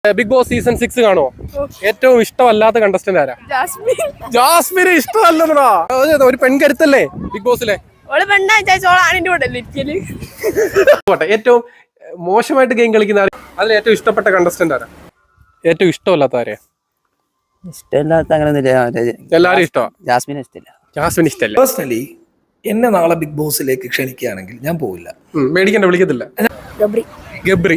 Big boss season 6 കാണുമോ? ഏറ്റവും ഇഷ്ടമല്ലാത്ത കണ്ടസ്റ്റന്റ് ആരാ? ജാസ്മിന് ഇഷ്ടമല്ലെന്നാ. ഒരു പെൺകരുത്തല്ലേ ബിഗ് ബോസിലെ? ഏറ്റവും മോശമായിട്ട് ഗെയിം കളിക്കുന്ന അതിൽ ഏറ്റവും ഇഷ്ടപ്പെട്ട കണ്ടസ്റ്റന്റ് ആരാ? ഏറ്റവും ഇഷ്ടമല്ലാത്ത ആരെയാ? ഇഷ്ടമില്ലാത്ത അങ്ങനെ എല്ലാരും ഇഷ്ടമാണ്. ജാസ്മിനെ ഇഷ്ടമില്ല. ജാസ്മിന് ഇഷ്ടമല്ല. പേഴ്സണലി എന്നെ നാളെ ബിഗ് ബോസിലേക്ക് ക്ഷണിക്കുകയാണെങ്കിൽ ഞാൻ പോവില്ല. മേടിക്കണ്ട, വിളിക്കത്തില്ല. ഗബ്രി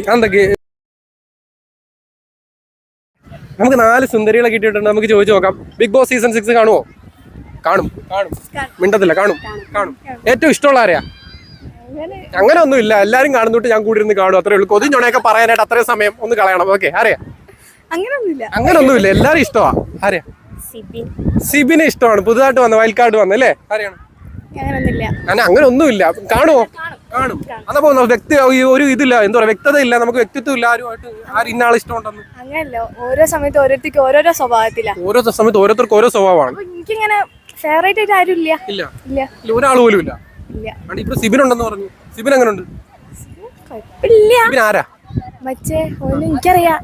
നമുക്ക് 4 സുന്ദരികളെ കിട്ടിയിട്ടുണ്ട്. നമുക്ക് ചോദിച്ചു നോക്കാം, ബിഗ് ബോസ് സീസൺ 6 കാണുമോ? കാണും. മിണ്ടത്തില്ല. കാണും. ഏറ്റവും ഇഷ്ടമുള്ള ആരെയാ? അങ്ങനെ ഒന്നുമില്ല, എല്ലാരും കാണുന്നോട്ട് ഞാൻ കൂടി ഇരുന്ന് കാണും, അത്രേ ഉള്ളൂ. കൊതിഞ്ഞോണയൊക്കെ പറയാനായിട്ട് അത്രയും സമയം ഒന്ന് കളയണം. ഓക്കെ, ആരെയാ? അങ്ങനൊന്നുമില്ല, എല്ലാരും ഇഷ്ടമാ. ആരെയാ? സിബിനെ ഇഷ്ടമാണ്. പുതുതായിട്ട് വന്ന വൈൽഡ് കാർഡ് വന്ന അല്ലേ? ആരെയാണ്? അങ്ങനെ ഒന്നുമില്ല. കാണുമോ? കാണും. അതപ്പോ വ്യക്തി ഒരു ഇതില്ല, എന്താ പറയാ, വ്യക്തത ഇല്ല, നമുക്ക് വ്യക്തിത്വം ഇല്ല. ആരും ഇന്ന ആൾ ഇഷ്ടമുണ്ടെന്ന് അങ്ങനല്ലോ. ഓരോ സമയത്ത് ഓരോരുത്തർക്ക് ഓരോരോ സ്വഭാവത്തിലാണ്. ഓരോ സമയത്ത് ഓരോരുത്തർക്ക് ഓരോ സ്വഭാവമാണ്. എനിക്കിങ്ങനെ ഫേവറേറ്റ് ആയിട്ട് ആരും ഇല്ല, ഒരാൾ പോലും ഇല്ല. ഇപ്പൊ സിബിൻ ഉണ്ടെന്ന് പറഞ്ഞു. സിബിൻ എങ്ങനെ ഉണ്ട്? സിബിൻ ആരാ? മറ്റേ എനിക്കറിയാം.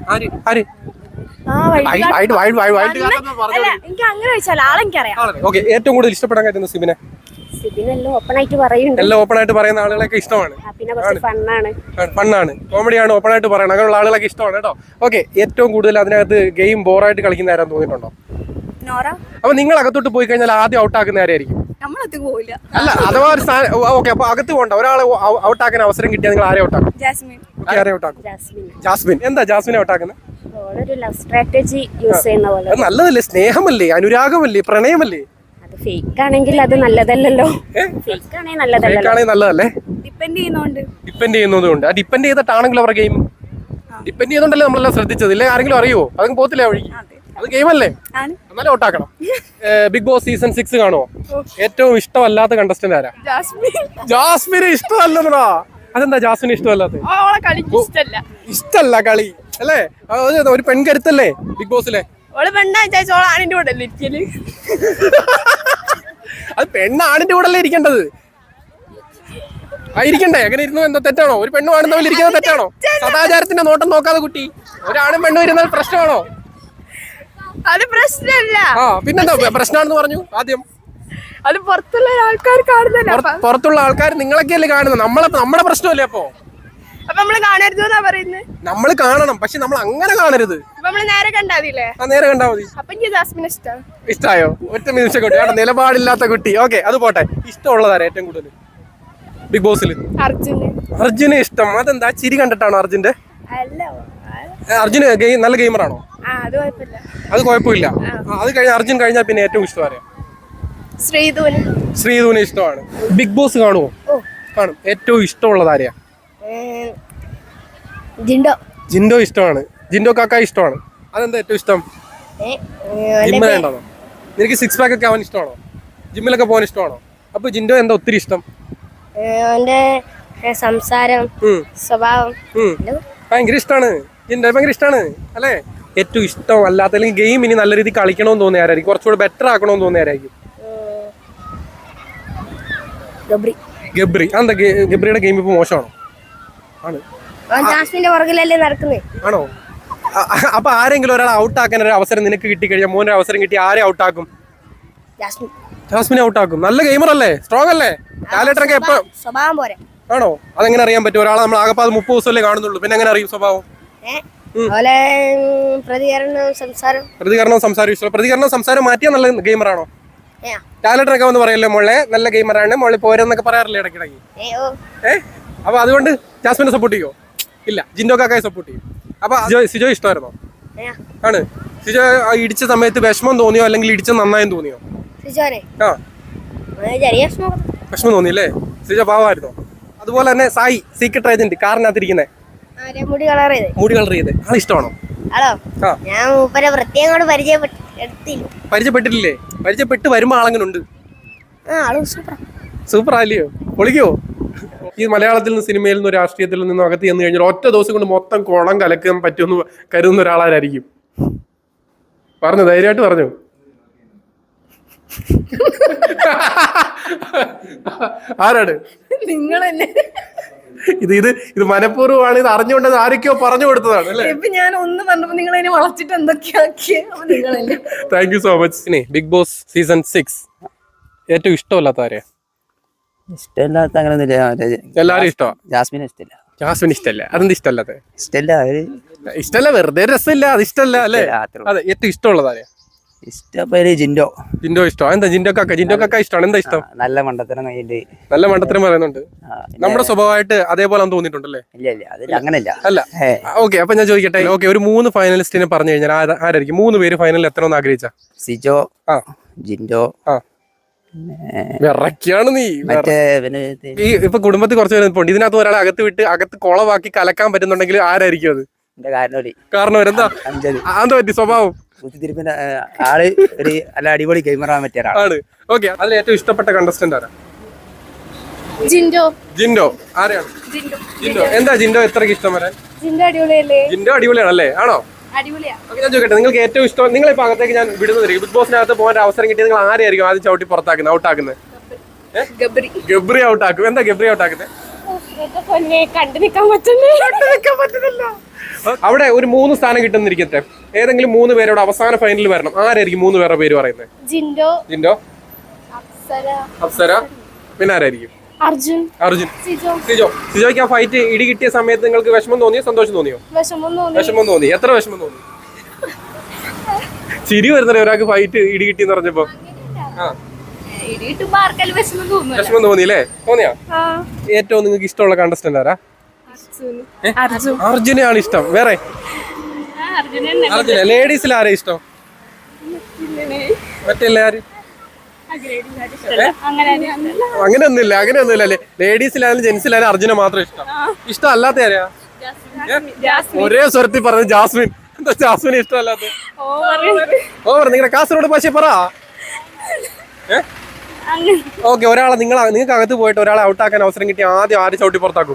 എനിക്ക് അങ്ങനെ വെച്ചാൽ ആളെനിക്കറിയാം. ഓക്കെ, ഏറ്റവും കൂടുതൽ ഇഷ്ടപ്പെടാൻ പറ്റുന്ന സിബിനെ? എല്ലാം ഓപ്പൺ ആയിട്ട് പറയുന്ന ആളുകളൊക്കെ ഇഷ്ടമാണ്. ഫണ്ണാണ്, കോമഡിയാണ്, ഓപ്പൺ ആയിട്ട് പറയണം, അങ്ങനെയുള്ള ആളുകളൊക്കെ ഇഷ്ടമാണ് കേട്ടോ. ഓക്കെ, ഏറ്റവും കൂടുതൽ അതിനകത്ത് ഗെയിം ബോറായിട്ട് കളിക്കുന്ന ആരാന്ന് തോന്നിയിട്ടുണ്ടോ? അപ്പൊ നിങ്ങൾ അകത്തോട്ട് പോയി കഴിഞ്ഞാൽ ആദ്യം ഔട്ടാക്കുന്ന ആരായിരിക്കും? അല്ല, അഥവാ ഒരു ഓക്കെ, അപ്പൊ അകത്ത് പോകണ്ട, ഒരാളെ ഔട്ടാക്കാൻ അവസരം കിട്ടിയാൽ നിങ്ങൾ ആരെ ഔട്ടാക്കും? ജാസ്മിൻ. എന്താ ജാസ്മിനെ ഔട്ടാക്കുന്നത്? നല്ലതല്ലേ? സ്നേഹമല്ലേ? അനുരാഗമല്ലേ? പ്രണയമല്ലേ? ഫേക്ക് ആണെങ്കിൽ അത് നല്ലതല്ലല്ലോ. നല്ലതല്ലേ? ഡിപ്പെൻഡ് ചെയ്യുന്നതുകൊണ്ട്. ആ ഡിപ്പെൻഡ് ചെയ്തിട്ടാണെങ്കിലും അവരുടെ ഗെയിം ഡിപ്പെൻഡ് ചെയ്യുന്നുണ്ടല്ലേ നമ്മളെല്ലാം ശ്രദ്ധിച്ചത്. ഇല്ലേ ആരെങ്കിലും അറിയോ? അതും പോത്തില്ല വഴി. അത് ഗെയിമല്ലേ? എന്നാലും ഔട്ടാക്കണം. ബിഗ് ബോസ് സീസൺ 6 കാണുമോ? ഏറ്റവും ഇഷ്ടമല്ലാത്ത കണ്ടസ്റ്റന്റ് ആരാ? ജാസ്മിന് ഇഷ്ടമല്ലെന്നാ. അതെന്താ ജാസ്മിന് ഇഷ്ടമല്ലാത്ത? ഇഷ്ടല്ല കളി അല്ലേ? ഒരു പെൺകരുത്തല്ലേ ബിഗ് ബോസിലെ? അത് പെണ്ണാണിന്റെ കൂടെ അല്ലേ ഇരിക്കേണ്ടത്? ഇരിക്കണ്ടേ? എങ്ങനെ ഇരുന്നു? എന്താ തെറ്റാണോ? ഒരു പെണ്ണ് ആണെന്നവർ ഇരിക്കുന്നത് തെറ്റാണോ? സദാചാരത്തിന്റെ നോട്ടം നോക്കാതെ കുട്ടി, ഒരാണും പെണ്ണും ഇരുന്നാൽ പ്രശ്നമാണോ? അത് പ്രശ്നമല്ല. പിന്നെന്താ പ്രശ്നമാണെന്ന് പറഞ്ഞു ആദ്യം? അത് പുറത്തുള്ള ആൾക്കാർ കാണുന്നില്ല. പുറത്തുള്ള ആൾക്കാർ നിങ്ങളൊക്കെയല്ലേ കാണുന്നത്? നമ്മുടെ പ്രശ്നമല്ലേ? അപ്പൊ നമ്മള് കാണരുത് എന്നാ പറയുന്നത്. നമ്മള് കാണണം, പക്ഷെ നമ്മൾ അങ്ങനെ കാണരുത്. നേരെ കണ്ടാതില്ലേ? നേരെ കണ്ടാ മതി. അപ്പൊ എനിക്ക് ജാസ്മിനെ ഇഷ്ടായോ? ഒറ്റ നിമിഷം കുട്ടി, നിലപാടില്ലാത്ത കുട്ടി. ഓക്കെ, അത് പോട്ടെ. ഇഷ്ടമുള്ളതാരാ ഏറ്റവും കൂടുതൽ ബിഗ് ബോസിൽ? അർജുനെ ഇഷ്ടം. അതെന്താ? ചിരി കണ്ടിട്ടാണോ അർജുന്റെ? അർജുന് നല്ല ഗെയിമറാണോ? അത് കുഴപ്പമില്ല. അത് കഴിഞ്ഞ അർജുൻ കഴിഞ്ഞാൽ പിന്നെ ഏറ്റവും ഇഷ്ടം ആരെയാ? ശ്രീധുവിനെ ഇഷ്ടമാണ്. ബിഗ് ബോസ് കാണുമോ? കാണും. ഏറ്റവും ഇഷ്ടമുള്ളത് ആരെയാ? ജിൻഡോ ഇഷ്ടമാണ്. ജിൻഡോ കാക്ക ഇഷ്ടമാണ്. അതെന്താ ഏറ്റവും ഇഷ്ടം? ജിമ്മിലുണ്ടോ? നിനക്ക് 6 പാക്ക് ഒക്കെ അവൻ ഇഷ്ടമാണോ? ജിമ്മിലൊക്കെ പോകാൻ ഇഷ്ടമാണോ? അപ്പൊ ജിൻഡോ എന്താ ഒത്തിരി ഇഷ്ടം? സംസാരം, സ്വഭാവം ഭയങ്കര ഇഷ്ടമാണ്. ജിൻഡോ ഭയങ്കര ഇഷ്ടമാണ് അല്ലേ? ഏറ്റവും ഇഷ്ടം അല്ലാത്ത അല്ലെങ്കിൽ ഗെയിം ഇനി നല്ല രീതിയിൽ കളിക്കണമെന്ന് തോന്നിയാരായിരിക്കും? കുറച്ചുകൂടെ ബെറ്റർ ആക്കണമെന്ന് തോന്നിയാരായിരിക്കും? ഗബ്രി. അതെന്താ ഗബ്രിയുടെ ഗെയിം ഇപ്പൊ മോശമാണോ? ആണോ? അപ്പൊ ആരെങ്കിലും ഒരാൾ ഔട്ടാക്കാൻ ഒരു അവസരം നിനക്ക് കിട്ടിക്കഴിഞ്ഞാൽ, മോനൊരു അവസരം കിട്ടി, ആരെ ഔട്ടാക്കും? ജാസ്മിനെ ഔട്ടാക്കും. നല്ല ഗെയിമർ അല്ലേ? സ്ട്രോങ് അല്ലേ? ലാലേട്ടനൊക്കെ എപ്പോ? ആണോ? അതെങ്ങനെ അറിയാൻ പറ്റും? ഒരാളെ നമ്മൾ ആകെ 30 ദിവസമല്ലേ കാണുന്നുള്ളൂ, പിന്നെ എങ്ങനെ അറിയും സ്വഭാവം? പ്രതികരണം സംസാരം മാറ്റിയാ നല്ല ഗെയിമറാണോ? ലാലേട്ടനൊക്കെ വന്ന് പറയല്ലേ മോളെ നല്ല ഗെയിമറാണ്, മോളെ പോരെന്നൊക്കെ പറയാറില്ലേ ഇടയ്ക്കിടയ്ക്ക്? അപ്പൊ അതുകൊണ്ട് ജാസ്മിനെ സപ്പോർട്ട് ചെയ്യോ? ഇല്ല, ജിൻഡോ കാക്കയെ സപ്പോർട്ട് ചെയ്യും. അപ്പൊ സിജോ ഇഷ്ടമായിരുന്നോ? ആണ്. സിജോ ഇടിച്ച സമയത്ത് വിഷമം തോന്നിയോ അല്ലെങ്കിൽ ഇടിച്ച നന്നായെന്ന് തോന്നിയോ? വിഷമം തോന്നിയല്ലേ? സിജോ പാവമായിരുന്നോ? അതുപോലെ തന്നെ സായി സീക്രട്ട് ഏജന്റ് കാറിനകത്തിരിക്കുന്നേ, മുടി കളർ ചെയ്ത് ആൾ ഇഷ്ടമാണോ? പരിചയപ്പെട്ടിട്ടില്ലേ? പരിചയപ്പെട്ട് വരുമ്പോ ആളെങ്ങനെ ഉണ്ട്? സൂപ്പർ ആല്ലയോ? പൊളിക്കോ? ഈ മലയാളത്തിൽ നിന്ന്, സിനിമയിൽ നിന്നും രാഷ്ട്രീയത്തിൽ നിന്നും അകത്ത് ചെന്ന് കഴിഞ്ഞാൽ ഒറ്റ ദിവസം കൊണ്ട് മൊത്തം കുളം കലക്കാൻ പറ്റുമെന്ന് കരുതുന്ന ഒരാളായിരിക്കും? പറഞ്ഞു, ധൈര്യമായിട്ട് പറഞ്ഞു. ആരാണ്? നിങ്ങൾ തന്നെ. ഇത് മനഃപൂർവ്വമാണ്, ഇത് അറിഞ്ഞുകൊണ്ട് ആരൊക്കെയോ പറഞ്ഞു കൊടുത്തതാണ് അല്ലേ? ഇപ്പൊ ഞാൻ ഒന്ന് പറഞ്ഞപ്പോ നിങ്ങൾ അതിനെ വളച്ചിട്ട് എന്തൊക്കെയാക്കിയ നിങ്ങളല്ലേ. Thank you so much. Big boss season 6 ഏറ്റവും ഇഷ്ടമല്ലാത്ത ആരെയാ? ഇഷ്ടമില്ലാത്ത അങ്ങനെയൊന്നുമില്ല. എല്ലാരും ഇഷ്ടമാണ്. ജാസ്മിനെ ഇഷ്ടമില്ല. ജാസ്മിൻ ഇഷ്ടമല്ല. അതെന്ത് ഇഷ്ടമല്ലാത്ത? ഇഷ്ടമില്ല. അവര് ഇഷ്ടമല്ല, വെറുതെ രസമില്ല, അത് ഇഷ്ടമല്ല അല്ലേ? അതെ. ഏറ്റവും ഇഷ്ടമുള്ളത് ആരെയാ? ഇഷ്ടപ്പേര് ജിൻഡോ. ജിൻഡോ ഇഷ്ടം. എന്താ ജിൻഡോ കാക്ക ഇഷ്ടമാണ്? എന്താ ഇഷ്ടം? നല്ല മണ്ടത്തരം കയ്യില്. നല്ല മണ്ടത്തരം പറയുന്നുണ്ട്. നമ്മുടെ സ്വഭാവമായിട്ട് അതേപോലെ തോന്നിയിട്ടുണ്ടല്ലേ? ഇല്ല അതിൽ അങ്ങനല്ല. അല്ല. ഓക്കെ, അപ്പൊ ഞാൻ ചോദിക്കട്ടെ. ഓക്കെ, ഒരു 3 ഫൈനലിസ്റ്റിനെ പറഞ്ഞു കഴിഞ്ഞാൽ ആരായിരിക്കും? 3 പേര് ഫൈനലിൽ എത്തണമെന്ന് ആഗ്രഹിച്ച? സിജോ, ജിൻഡോ, വിറക്കാണ് നീ. മറ്റേ ഇപ്പൊ കുടുംബത്തിൽ കുറച്ച് പേര് പോണ്ട്. ഇതിനകത്ത് ഒരാളെ അകത്ത് വിട്ട് അകത്ത് കുളവാക്കി കലക്കാൻ പറ്റുന്നുണ്ടെങ്കിൽ ആരായിരിക്കും അത്? കാരണം എന്താ പറ്റി? സ്വഭാവം കുത്തിരിപ്പിന്റെ ആള് ഒരു നല്ല അടിപൊളി ക്യാമറ പറ്റിയ ആണ്. ഓക്കെ, അതിൽ ഏറ്റവും ഇഷ്ടപ്പെട്ട കണ്ടസ്റ്റന്റ് ആരാ? ജിൻഡോ. ആരെയാണ്? ജിൻഡോ. എന്താ ജിൻഡോ എത്രക്ക് ഇഷ്ടം വരാൻ? ജിൻഡോ അടിപൊളിയാണല്ലേ? ആണോ? ഞാൻ ചോദിക്കട്ടെ, നിങ്ങൾക്ക് ഏറ്റവും ഇഷ്ടം, നിങ്ങളിപ്പോ അകത്തേക്ക് ഞാൻ വിടുന്നത് ബിഗ് ബോസിനകത്ത് പോകാൻ അവസരം കിട്ടിയത് നിങ്ങൾ ആരെയായിരിക്കും ആദ്യം ചവിട്ടി പുറത്താക്കുന്നത്, ഔട്ടാക്കുന്നത്? ഗബ്രി ഔട്ടാക്കും. എന്താ ഗബ്രി ഔട്ടാക്കുന്നത്? അവിടെ ഒരു 3 സ്ഥാനം കിട്ടുന്നിരിക്കട്ടെ, ഏതെങ്കിലും 3 പേരോട് അവസാന ഫൈനലിൽ വരണം. ആരായിരിക്കും 3 പേരുടെ പേര് പറയുന്നത്? ജിൻഡോ, അപ്സര, പിന്നെ ആരായിരിക്കും? അർജുൻ. സിജോയ്ക്ക് ആ ഫൈറ്റ് ഇടി കിട്ടിയ സമയത്ത് നിങ്ങൾക്ക് വിഷമം തോന്നിയോ സന്തോഷം തോന്നിയോ? വിഷമം തോന്നി. എത്ര വിഷമം തോന്നി? ചിരി വരുന്നല്ലേ ഒരാൾക്ക് ഫൈറ്റ് ഇടി കിട്ടിയെന്ന് പറഞ്ഞപ്പോ? വിഷമം തോന്നിയില്ലേ? തോന്നിയാ? ഏറ്റവും നിങ്ങൾക്ക് ഇഷ്ടമുള്ള കണ്ടസ്റ്റന്റ് ആരാ? അർജുനെയാണ് ഇഷ്ടം. വേറെ? അർജുന. ലേഡീസിൽ ആരാ ഇഷ്ടം? മറ്റേ ആര്? അങ്ങനെയൊന്നുമില്ല അല്ലേ? ലേഡീസിലായാലും ജെന്റ്സിലായാലും അർജുന മാത്രം ഇഷ്ടം അല്ലാത്ത ആരെയാ? ഒരേ സ്വരത്തിൽ പറഞ്ഞു ജാസ്മിൻ. എന്താ ജാസ്മിന് ഇഷ്ടമല്ലാത്ത? നിങ്ങളുടെ കാസർഗോഡ് ഭാഷ പറ. ഓക്കെ, ഒരാളെ നിങ്ങൾക്ക് അകത്ത് പോയിട്ട് ഒരാളെ ഔട്ടാക്കാൻ അവസരം കിട്ടി ആദ്യം ആര് ചവിട്ടി പുറത്താക്കും?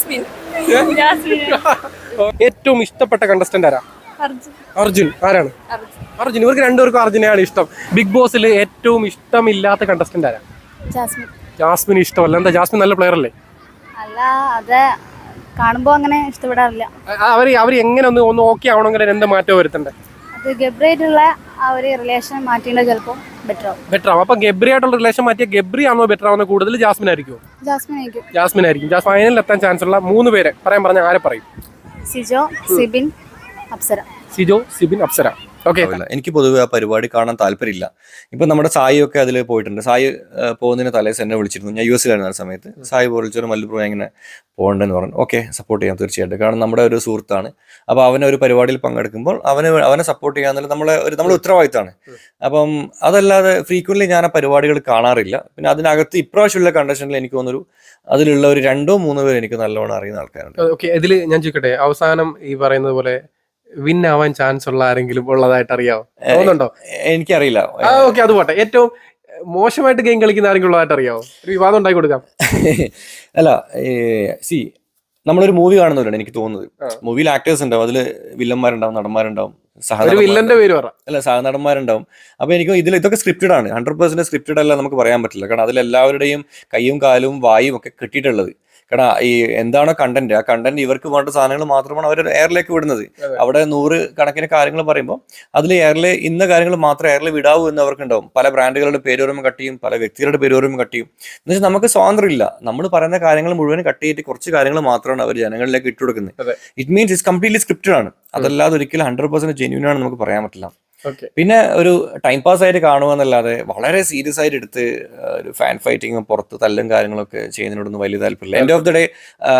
ഏറ്റവും ഇഷ്ടപ്പെട്ട കണ്ടസ്റ്റന്റ് ആരാ? അർജുൻ. ആരാണ്? അർജുൻ. ഇവർക്ക് രണ്ടുപേർക്കും അർജുനെയാണ് ഇഷ്ടം. ബിഗ് ബോസിൽ ഏറ്റവും ഇഷ്ടമില്ലാത്ത കണ്ടസ്റ്റന്റ് ആരാ? ജാസ്മിൻ ഇഷ്ടമല്ല. എന്താ? ജാസ്മിൻ നല്ല പ്ലെയർ അല്ലേ? അല്ല, അത് കാണുമ്പോ അങ്ങനെ ഇഷ്ടപ്പെടാറില്ല. അവർ എങ്ങനെ ഒന്ന് ഓക്കെ ആവണമെങ്കിൽ എന്താ മാറ്റം വരുത്തണ്ടേ? അത് ഗബ്രിയായിട്ടുള്ള ആ ഒരു റിലേഷൻ മാറ്റിയിട്ട് ചിലപ്പോൾ ബെറ്റർ ആവും. അപ്പൊ ഗബ്രി ആയിട്ടുള്ള റിലേഷൻ മാറ്റിയ ഗബ്രി ആണോ ബെറ്റർ ആവുന്ന? കൂടുതൽ ജാസ്മിൻ ആയിരിക്കും. ജാസ്മിൻ ആയിരിക്കും. ഫൈനലിൽ എത്താൻ ചാൻസ് ഉള്ള 3 പേരെ പറഞ്ഞ ആരെ പറയും? സിജോ, സിബിൻ, അപ്സര. ഓക്കെ. എനിക്ക് പൊതുവെ ആ പരിപാടി കാണാൻ താല്പര്യമില്ല. ഇപ്പൊ നമ്മുടെ സായി ഒക്കെ അതിൽ പോയിട്ടുണ്ട്. സായി പോകുന്നതിന് തലേസ് എന്നെ വിളിച്ചിരുന്നു. ഞാൻ US ലായിരുന്ന ആ സമയത്ത്. സായി വിളിച്ചൊരു മല്ലപ്പുറം ഇങ്ങനെ പോകണ്ടെന്ന് പറഞ്ഞു. ഓക്കെ, സപ്പോർട്ട് ചെയ്യാം തീർച്ചയായിട്ടും. കാരണം നമ്മുടെ ഒരു സുഹൃത്താണ്. അപ്പൊ അവനെ ഒരു പരിപാടിയിൽ പങ്കെടുക്കുമ്പോൾ അവനെ സപ്പോർട്ട് ചെയ്യാന്നുള്ള നമ്മുടെ ഉത്തരവാദിത്തമാണ്. അപ്പം അതല്ലാതെ ഫ്രീക്വന്റ്ലി ഞാൻ ആ പരിപാടികൾ കാണാറില്ല. പിന്നെ അതിനകത്ത് ഇപ്രാവശ്യമുള്ള കണ്ടീഷനിൽ എനിക്ക് തോന്നുന്നു അതിലുള്ള ഒരു 2-3 പേര് എനിക്ക് നല്ലോണം അറിയുന്ന ആൾക്കാരുണ്ട്. ഓക്കെ, ഇതിൽ ഞാൻ ചോദിക്കട്ടെ, അവസാനം ഈ പറയുന്നത് പോലെ വിൻ ആവാൻ ചാൻസ് ഉള്ള ആരെങ്കിലും ഉള്ളതായിട്ട് അറിയാവോ? തോന്നുന്നുണ്ടോ? എനിക്കറിയില്ല. ഓക്കെ, അത് പോട്ടെ. ഏറ്റവും മോശമായിട്ട് ഗെയിം കളിക്കുന്ന ആരെങ്കിലും ഉള്ളതായിട്ട് അറിയാവോ? ഒരു വിവാദം ഉണ്ടാക്കി കൊടുക്കാം. അല്ല, നമ്മളൊരു മൂവി കാണുന്നവരാണ് എനിക്ക് തോന്നുന്നത്. മൂവിയിൽ ആക്ടേഴ്സ് ഉണ്ടാവും, അതിൽ വില്ലന്മാരുണ്ടാവും, നടന്മാരുണ്ടാവും, സഹനടന്മാരുണ്ടാവും. അപ്പൊ എനിക്ക് ഇതൊക്കെ സ്ക്രിപ്റ്റഡ് ആണ്. 100% സ്ക്രിപ്റ്റഡ് അല്ല നമുക്ക് പറയാൻ പറ്റില്ല. കാരണം അതിലെല്ലാവരുടെയും കയ്യും കാലും വായും ഒക്കെ കിട്ടിയിട്ടുള്ളത്. കാരണം ഈ എന്താണോ കണ്ടന്റ്, ആ കണ്ടന്റ് ഇവർക്ക് വേണ്ട സാധനങ്ങൾ മാത്രമാണ് അവർ എയറിലേക്ക് വിടുന്നത്. അവിടെ 100 കണക്കിന് കാര്യങ്ങൾ പറയുമ്പോൾ അതിൽ എയറിൽ ഇന്ന കാര്യങ്ങൾ മാത്രമേ എയറിൽ വിടാവൂ എന്ന് അവർക്കുണ്ടാവും. പല ബ്രാൻഡുകളുടെ പേര് വരുമ്പോൾ കട്ട് ചെയ്യും, പല വ്യക്തികളുടെ പേര് വരുമ്പോൾ കട്ട് ചെയ്യും. എന്ന് വെച്ചാൽ നമുക്ക് സ്വാതന്ത്ര്യം ഇല്ല. നമ്മൾ പറയുന്ന കാര്യങ്ങൾ മുഴുവൻ കട്ട് ചെയ്തിട്ട് കുറച്ച് കാര്യങ്ങൾ മാത്രമാണ് അവർ ജനങ്ങളിലേക്ക് ഇട്ടുകൊടുക്കുന്നത്. It means it's completely scripted ആണ്. അതല്ലാതെ ഒരിക്കലും 100% ജെന്യൂൻ ആണെന്ന് നമുക്ക് പറയാൻ പറ്റില്ല. പിന്നെ ഒരു ടൈം പാസ് ആയിട്ട് കാണുക എന്നല്ലാതെ വളരെ സീരിയസ് ആയിട്ട് എടുത്ത് ഒരു ഫാൻ ഫൈറ്റിങ്ങും പുറത്ത് തല്ലും കാര്യങ്ങളൊക്കെ ചെയ്യുന്നതിനോടൊന്നും വലിയ താല്പര്യമില്ല. എൻഡ് ഓഫ് ദി ഡേ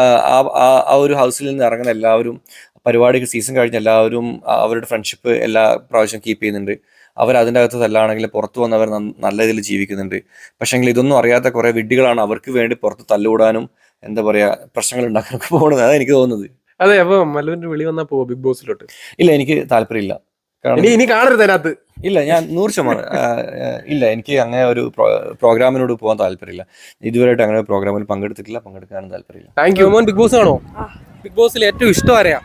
ആ ഒരു ഹൗസിൽ നിന്ന് ഇറങ്ങുന്ന എല്ലാവരും, പരിപാടിക്ക് സീസൺ കഴിഞ്ഞ എല്ലാവരും അവരുടെ ഫ്രണ്ട്ഷിപ്പ് എല്ലാ പ്രാവശ്യം കീപ്പ് ചെയ്യുന്നുണ്ട്. അവർ അതിൻ്റെ അകത്ത് തല്ലാണെങ്കിൽ പുറത്ത് വന്നവർ നല്ല രീതിയിൽ ജീവിക്കുന്നുണ്ട്. പക്ഷേങ്കിൽ ഇതൊന്നും അറിയാത്ത കുറേ വിഡ്ഢികളാണ് അവർക്ക് വേണ്ടി പുറത്ത് തല്ലുകൂടാനും എന്താ പറയുക പ്രശ്നങ്ങൾ ഉണ്ടാക്കാനൊക്കെ പോകുന്നത്. അതാണ് എനിക്ക് തോന്നുന്നത്. അതെ. അപ്പൊ മല്ലുവിന്റെ വിളി വന്നാൽ പോവോ ബിഗ് ബോസിലോട്ട്? ഇല്ല, എനിക്ക് താല്പര്യമില്ല. ഇനി കാണരുത് അതിനകത്ത്. ഇല്ല, ഞാൻ 100% ഇല്ല, എനിക്ക് അങ്ങനെ ഒരു പ്രോഗ്രാമിനോട് പോകാൻ താല്പര്യമില്ല. ഇതുവരെയായിട്ട് അങ്ങനെ പ്രോഗ്രാമിൽ പങ്കെടുത്തിട്ടില്ല, പങ്കെടുക്കാനും താല്പര്യമില്ല. Thank you. ബിഗ് ബോസ് ആണോ? ബിഗ് ബോസിൽ ഏറ്റവും ഇഷ്ടം ആരെയാ?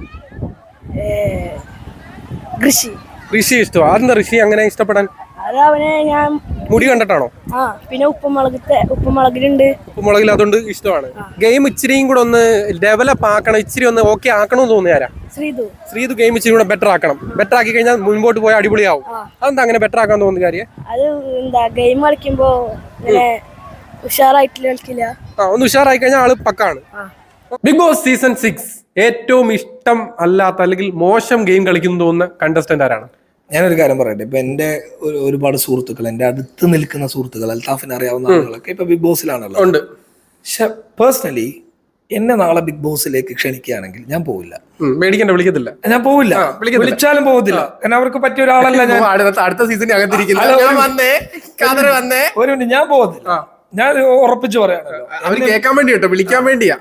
ഋഷി ഇഷ്ടം. അതെന്താ ഋഷി അങ്ങനെ ഇഷ്ടപ്പെടാൻ? ഞാൻ മുടി കണ്ടിട്ടാണോ? ആ പിന്നെ ഉപ്പുമുളകിലുണ്ട്. ഉപ്പുമുളകിൽ അതുകൊണ്ട് ഇഷ്ടമാണ്. ഗെയിം ഇച്ചിരിയും കൂടെ ഒന്ന് ഡെവലപ്പ് ആക്കണം, ഇച്ചിരി ഒന്ന് ഓക്കെ ആക്കണമെന്ന് തോന്നിയാരാ? ശ്രീതു ഗെയിം ഇച്ചിരി കൂടെ ബെറ്റർ ആക്കണം. ബെറ്റർ ആക്കി കഴിഞ്ഞാൽ മുൻപോട്ട് പോയാൽ അടിപൊളിയാവും. അതെന്താ അങ്ങനെ ബെറ്റർ ആക്കാൻ തോന്നുന്ന കാര്യം? അത് എന്താ ഗെയിം കളിക്കുമ്പോ ഇങ്ങനെ ഉഷാറായിട്ട് കളിക്കില്ല. ഒന്ന് ഉഷാറായി കഴിഞ്ഞാൽ ആള് പക്കാണ്. ബിഗ് ബോസ് സീസൺ 6 ഏറ്റവും ഇഷ്ടം അല്ലാത്ത അല്ലെങ്കിൽ മോശം ഗെയിം കളിക്കുന്നു തോന്നുന്ന കണ്ടസ്റ്റന്റ് ആരാണ്? ഞാനൊരു കാര്യം പറയട്ടെ, ഇപ്പൊ എന്റെ ഒരുപാട് സുഹൃത്തുക്കൾ, എന്റെ അടുത്ത് നിൽക്കുന്ന സുഹൃത്തുക്കൾ, അൽത്താഫിനെ അറിയാവുന്ന ആളുകളൊക്കെ ഇപ്പൊ ബിഗ് ബോസിലാണല്ലോ. പക്ഷെ പേഴ്സണലി എന്നെ നാളെ ബിഗ് ബോസിലേക്ക് ക്ഷണിക്കുകയാണെങ്കിൽ ഞാൻ പോവില്ല. മേടിക്കണ്ട, വിളിക്കത്തില്ല. ഞാൻ പോവില്ല, വിളിച്ചാലും പോകത്തില്ല. കാരണം അവർക്ക് പറ്റിയ ഒരാളല്ല ഞാൻ. അടുത്ത സീസണിൽ അകത്തിരിക്കുന്നു. ഒരു മിനിറ്റ്, ഞാൻ പോകത്തില്ല. ഞാൻ ഉറപ്പിച്ചു പറയാണല്ലോ, അവര് കേൾക്കാൻ വേണ്ടി കേട്ടോ, വിളിക്കാൻ വേണ്ടിയാ.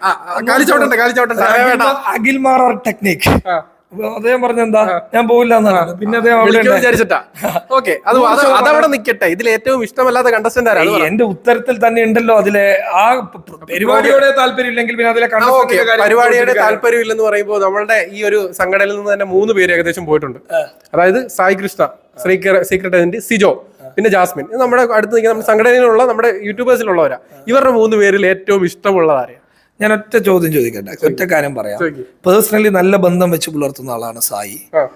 അഖിൽമാർ ടെക്നിക് അദ്ദേഹം പറഞ്ഞെന്താ ഞാൻ പോവില്ല എന്നാണ്. പിന്നെ വിചാരിച്ചിട്ടാ. ഓക്കെ, അതവിടെ നിക്കട്ടെ. ഇതിൽ ഏറ്റവും ഇഷ്ടമല്ലാത്ത കണ്ടസ്റ്റന്റ് ആരാണ്? എന്റെ ഉത്തരത്തിൽ തന്നെ ഉണ്ടല്ലോ അതിലെ ആ പരിപാടിയോടെ താല്പര്യമില്ലെങ്കിൽ പിന്നെ അതിലെ പരിപാടിയുടെ താല്പര്യമില്ലെന്ന് പറയുമ്പോൾ നമ്മളുടെ ഈ ഒരു സംഘടനയിൽ നിന്ന് തന്നെ 3 പേര് ഏകദേശം പോയിട്ടുണ്ട്. അതായത് സായി കൃഷ്ണ, സീക്രട്ട് ഏജന്റ് സിജോ, പിന്നെ ജാസ്മിൻ. ഇത് നമ്മുടെ അടുത്ത് നിൽക്കുന്ന സംഘടനയിലുള്ള നമ്മുടെ യൂട്യൂബേഴ്സിലുള്ളവരാ. ഇവരുടെ 3 പേരിൽ ഏറ്റവും ഇഷ്ടമുള്ളതാരെയാ? ഞാൻ ഒറ്റ ചോദ്യം ചോദിക്കട്ടെ, ഒറ്റ കാര്യം പറയാം. പേഴ്സണലി നല്ല ബന്ധം വെച്ച് പുലർത്തുന്ന ആളാണ് സായി.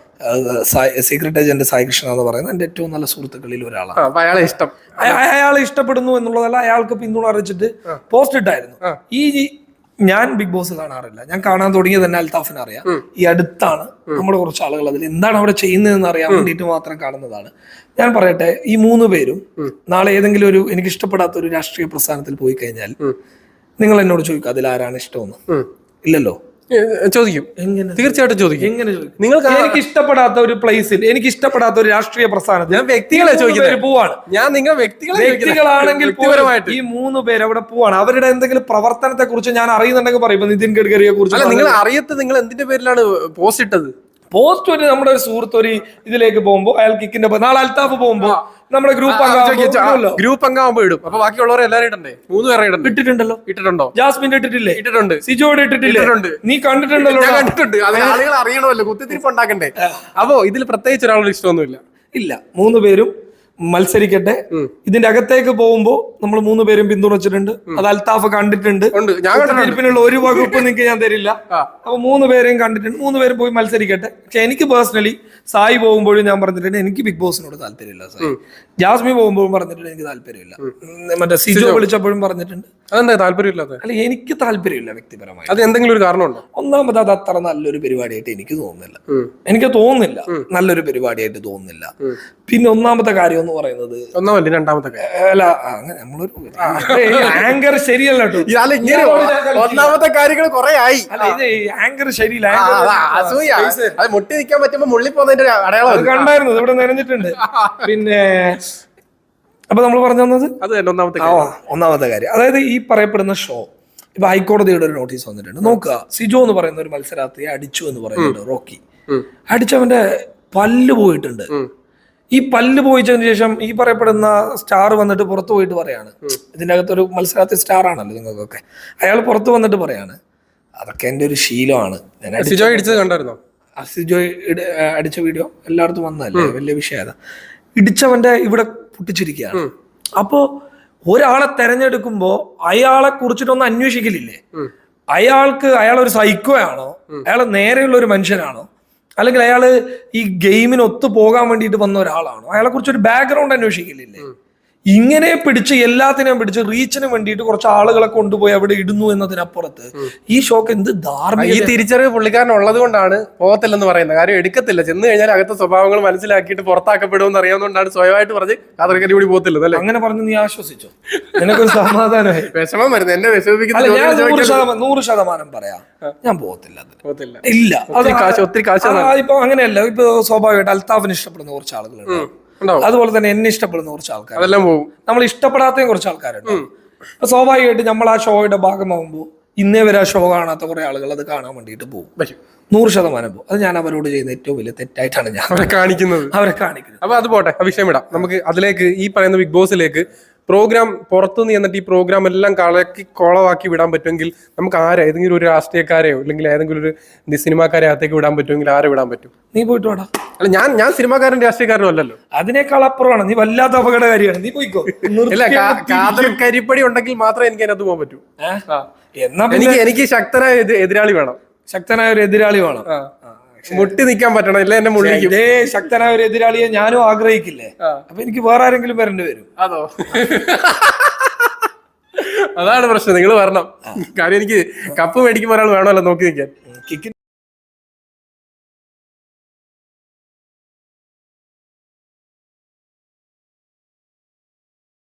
സീക്രട്ട് ഏജന്റ് സായി കൃഷ്ണ എന്ന് പറയുന്നത് എന്റെ ഏറ്റവും നല്ല സുഹൃത്തുക്കളിൽ ഒരാളാണ്. അയാളെ ഇഷ്ടപ്പെടുന്നു എന്നുള്ളതല്ല, അയാൾക്ക് പിന്തുണ അറിയിച്ചിട്ട് പോസ്റ്റ് ഇട്ടായിരുന്നു. ഞാൻ ബിഗ് ബോസ് കാണാറില്ല. ഞാൻ കാണാൻ തുടങ്ങിയത് തന്നെ അൽത്താഫിനെ അറിയാം. ഈ അടുത്താണ് നമ്മുടെ കുറച്ച് ആളുകൾ അതിൽ എന്താണ് അവിടെ ചെയ്യുന്നതെന്ന് അറിയാൻ വേണ്ടിയിട്ട് മാത്രം കാണുന്നതാണ്. ഞാൻ പറയട്ടെ, ഈ 3 പേരും നാളെ ഏതെങ്കിലും ഒരു എനിക്ക് ഇഷ്ടപ്പെടാത്ത ഒരു രാഷ്ട്രീയ പ്രസ്ഥാനത്തിൽ പോയി കഴിഞ്ഞാൽ നിങ്ങൾ എന്നോട് ചോദിക്കും അതിൽ ആരാണ് ഇഷ്ടമെന്ന്? ഇല്ലല്ലോ. ചോദിക്കും, തീർച്ചയായിട്ടും ചോദിക്കും. എങ്ങനെ ചോദിക്കും? നിങ്ങൾക്ക് എനിക്ക് ഇഷ്ടപ്പെടാത്ത ഒരു പ്ലേസിൽ, എനിക്ക് ഇഷ്ടപ്പെടാത്ത ഒരു രാഷ്ട്രീയ പ്രസ്ഥാനത്തിൽ ഞാൻ വ്യക്തികളെ ചോദിക്കുന്നത് പോവാണ്. ഞാൻ നിങ്ങൾ വ്യക്തികളാണെങ്കിൽ ഈ 3 പേര് അവിടെ പോവാണ്. അവരുടെ എന്തെങ്കിലും പ്രവർത്തനത്തെ കുറിച്ച് ഞാൻ അറിയുന്നുണ്ടെങ്കിൽ പറയും. ഇപ്പൊ നിതിൻ ഗഡ്കരിയെ കുറിച്ച് നിങ്ങൾ അറിയത്ത്, നിങ്ങൾ എന്തിന്റെ പേരിലാണ് പോസ്റ്റ് ഇട്ടത്? പോസ്റ്റ് ഒരു നമ്മുടെ ഒരു സുഹൃത്ത് ഒരു ഇതിലേക്ക് പോകുമ്പോ അയാൾ കിക്കിന്റെ നാളെ അൽത്താഫ് പോകുമ്പോ നമ്മുടെ ഗ്രൂപ്പ് അംഗമാകുമ്പോ ഇടും. അപ്പൊ ബാക്കിയുള്ളവരെ എല്ലാവരും ഇടണ്ടേ? 3 പേരെ ഇട്ടിട്ടുണ്ടല്ലോ. ഇട്ടിട്ടുണ്ടോ? ജാസ്മിൻ ഇട്ടിട്ടില്ലേ? ഇട്ടിട്ടുണ്ട്. സിജോയുടെ ഇട്ടിട്ടില്ലേ? നീ കണ്ടിട്ടുണ്ടല്ലോ? കണ്ടിട്ടുണ്ട്. അത് ആളുകൾ അറിയണമല്ലോ, കുത്തിത്തിരിപ്പ് ഉണ്ടാക്കണ്ടേ. അപ്പോ ഇതിൽ പ്രത്യേകിച്ച് ഒരാളോട് ഇഷ്ടമൊന്നുമില്ല. ഇല്ല, 3 പേരും മത്സരിക്കട്ടെ. ഇതിന്റെ അകത്തേക്ക് പോകുമ്പോ നമ്മൾ 3 പേരും പിന്തുണച്ചിട്ടുണ്ട്. അത് അൽത്താഫ് കണ്ടിട്ടുണ്ട്. തീർപ്പിനുള്ള ഒരു വകുപ്പ് നിങ്ങൾക്ക് ഞാൻ തരില്ല. അപ്പൊ 3 പേരെയും കണ്ടിട്ടുണ്ട്. 3 പേരും പോയി മത്സരിക്കട്ടെ. പക്ഷെ എനിക്ക് പേഴ്സണലി സായി പോകുമ്പോഴും ഞാൻ പറഞ്ഞിട്ടുണ്ട് എനിക്ക് ബിഗ് ബോസിനോട് താല്പര്യമില്ല. സായി ജാസ്മി പോകുമ്പോഴും പറഞ്ഞിട്ടുണ്ട് എനിക്ക് താല്പര്യമില്ല. മറ്റേ സിജോ വിളിച്ചപ്പോഴും പറഞ്ഞിട്ടുണ്ട്. അതെന്താ താല്പര്യമില്ലാത്ത? അല്ല, എനിക്ക് താല്പര്യമില്ല വ്യക്തിപരമായി. അത് എന്തെങ്കിലും ഒരു കാരണമുണ്ടോ? ഒന്നാമത് അത് അത്ര നല്ലൊരു പരിപാടിയായിട്ട് എനിക്ക് തോന്നുന്നില്ല. നല്ലൊരു പരിപാടിയായിട്ട് തോന്നുന്നില്ല. പിന്നെ ഒന്നാമത്തെ കാര്യം എന്ന് പറയുന്നത്, രണ്ടാമത്തെ അല്ല അങ്ങനെ നമ്മളൊരു ആങ്കർ ശരിയല്ല കേട്ടോ. ഒന്നാമത്തെ കാര്യങ്ങൾ കുറെ ആയി. അല്ല, ഇത് ആങ്കർ ശരിയില്ല. മുട്ടി നിൽക്കാൻ പറ്റുമ്പോ മുള്ളി പോകുന്നതിന്റെ അടയാളം കണ്ടായിരുന്നു, ഇവിടെ നനഞ്ഞിട്ടുണ്ട്. പിന്നെ അപ്പൊ നമ്മൾ പറഞ്ഞു തന്നത് അത് ഒന്നാമത്തെ കാര്യം, അതായത് ഈ പറയപ്പെടുന്ന ഷോ ഇപ്പൊ ഹൈക്കോടതിയുടെ ഒരു നോട്ടീസ് വന്നിട്ടുണ്ട്. നോക്കുക, സിജോ എന്ന് പറയുന്ന ഒരു മത്സരാർത്ഥിയെ അടിച്ചു എന്ന് പറയുന്നുണ്ട്. റോക്കി അടിച്ചവന്റെ പല്ല് പോയിട്ടുണ്ട്. ഈ പല്ല് പോയിച്ചതിന് ശേഷം ഈ പറയപ്പെടുന്ന സ്റ്റാർ വന്നിട്ട് പുറത്തു പോയിട്ട് പറയാണ്, ഇതിന്റെ അകത്തൊരു മത്സരാർത്ഥി സ്റ്റാർ ആണല്ലോ നിങ്ങൾക്കൊക്കെ, അയാൾ പുറത്തു വന്നിട്ട് പറയാണ് അതൊക്കെ എന്റെ ഒരു ശീലമാണ്. സിജോ കണ്ടായിരുന്നോ? സിജോ അടിച്ച വീഡിയോ എല്ലായിടത്തും വന്നതല്ലേ, വലിയ വിഷയം. ഇടിച്ചവന്റെ ഇവിടെ പൊട്ടിച്ചിരിക്കുകയാണ്. അപ്പോ ഒരാളെ തെരഞ്ഞെടുക്കുമ്പോ അയാളെ കുറിച്ചിട്ടൊന്നും അന്വേഷിക്കലില്ലേ? അയാളൊരു സൈക്കോ ആണോ? അയാൾ നേരെയുള്ള ഒരു മനുഷ്യനാണോ? അല്ലെങ്കിൽ അയാള് ഈ ഗെയിമിന് ഒത്തു പോകാൻ വേണ്ടിയിട്ട് വന്ന ഒരാളാണോ? അയാളെ കുറിച്ച് ഒരു ബാക്ക്ഗ്രൗണ്ട് അന്വേഷിക്കില്ലേ? ഇങ്ങനെ പിടിച്ച് എല്ലാത്തിനെയും പിടിച്ച് റീച്ചിന് വേണ്ടിയിട്ട് കുറച്ച് ആളുകളെ കൊണ്ടുപോയി അവിടെ ഇടുന്നു എന്നതിനപ്പുറത്ത് ഈ ഷോക്ക് എന്ത് ധാർമ്മിക. ഈ തിരിച്ചറിവ് പുള്ളിക്കാരൻ ഉള്ളത് കൊണ്ടാണ് പോകത്തില്ലെന്ന് പറയുന്നത്. കാര്യം എടുക്കത്തില്ല, ചെന്ന് കഴിഞ്ഞാൽ അകത്തെ സ്വഭാവങ്ങൾ മനസ്സിലാക്കിയിട്ട് പുറത്താക്കപ്പെടുമെന്ന് അറിയാവുന്നതുകൊണ്ടാണ് സ്വയമായിട്ട് പറഞ്ഞ് അതൊക്കെ കൂടി പോകത്തില്ല. അങ്ങനെ പറഞ്ഞ് നീ ആശ്വസിച്ചോ? നിനക്കൊരു സമാധാനമായി? വിഷമം വരുന്നത് എന്നെ വിഷമിപ്പിക്കുന്ന 100% പറയാം, ഞാൻ പോകത്തില്ല. ഇല്ല, ഒത്തിരി കാശ്. ഇപ്പൊ അങ്ങനെയല്ല. ഇപ്പൊ സ്വാഭാവികമായിട്ട് അൽത്താഫിന് ഇഷ്ടപ്പെടുന്ന കുറച്ച് ആളുകളുണ്ട്, അതുപോലെ തന്നെ എന്നെ ഇഷ്ടപ്പെടുന്ന കുറച്ച് ആൾക്കാർ, നമ്മൾ ഇഷ്ടപ്പെടാത്ത കുറച്ച് ആൾക്കാരുണ്ട്. അപ്പൊ സ്വാഭാവികമായിട്ട് നമ്മൾ ആ ഷോയുടെ ഭാഗമാകുമ്പോൾ ഇന്നേ വരെ ആ ഷോ കാണാത്ത കുറെ ആളുകൾ അത് കാണാൻ വേണ്ടിയിട്ട് പോകും. 100% പോകും. അത് ഞാൻ അവരോട് ചെയ്യുന്ന ഏറ്റവും വലിയ തെറ്റായിട്ടാണ് ഞാൻ അവരെ കാണിക്കുന്നത്. അപ്പൊ അത് പോട്ടെ, വിഷയം വിടാം. നമുക്ക് അതിലേക്ക്, ഈ പറയുന്ന ബിഗ് ബോസിലേക്ക് പ്രോഗ്രാം പുറത്തുനിന്ന് എന്നിട്ട് ഈ പ്രോഗ്രാം എല്ലാം കളക്കി കോളവാക്കി വിടാൻ പറ്റുമെങ്കിൽ നമുക്ക് ഏതെങ്കിലും ഒരു രാഷ്ട്രീയക്കാരെയോ അല്ലെങ്കിൽ ഏതെങ്കിലും ഒരു സിനിമാക്കാരെ അകത്തേക്ക് വിടാൻ പറ്റുമെങ്കിൽ ആരെ വിടാൻ പറ്റും? നീ പോയിട്ട് വാടാ. അല്ല ഞാൻ സിനിമാക്കാരൻ രാഷ്ട്രീയക്കാരനും അല്ലല്ലോ. അതിനേക്കാൾ അപ്പുറമാണ്, നീ വല്ലാത്ത അപകടകാരിയാണ്, നീ പോയിക്കോ. ഇല്ല, കാതൽ കരിപ്പടി ഉണ്ടെങ്കിൽ മാത്രമേ എനിക്ക് അതിനകത്ത് പോകാൻ പറ്റൂ. എന്നാ എനിക്ക് ശക്തനായ എതിരാളി വേണം. ശക്തനായ ഒരു എതിരാളി വേണം. മുട്ടി നിൽക്കാൻ പറ്റണം, ഇല്ല എന്നെ മുള്ളിക്കും. ഇതേ ശക്തനായ ഒരു എതിരാളിയെ ഞാനും ആഗ്രഹിക്കില്ലേ? അപ്പൊ എനിക്ക് വേറെ ആരെങ്കിലും വരേണ്ടി വരും. അതോ? അതാണ് പ്രശ്നം. നിങ്ങൾ വരണം. കാര്യം എനിക്ക് കപ്പ് മേടിക്കുമ്പോൾ ഒരാൾ വേണമല്ലോ നോക്കി നിൽക്കാൻ.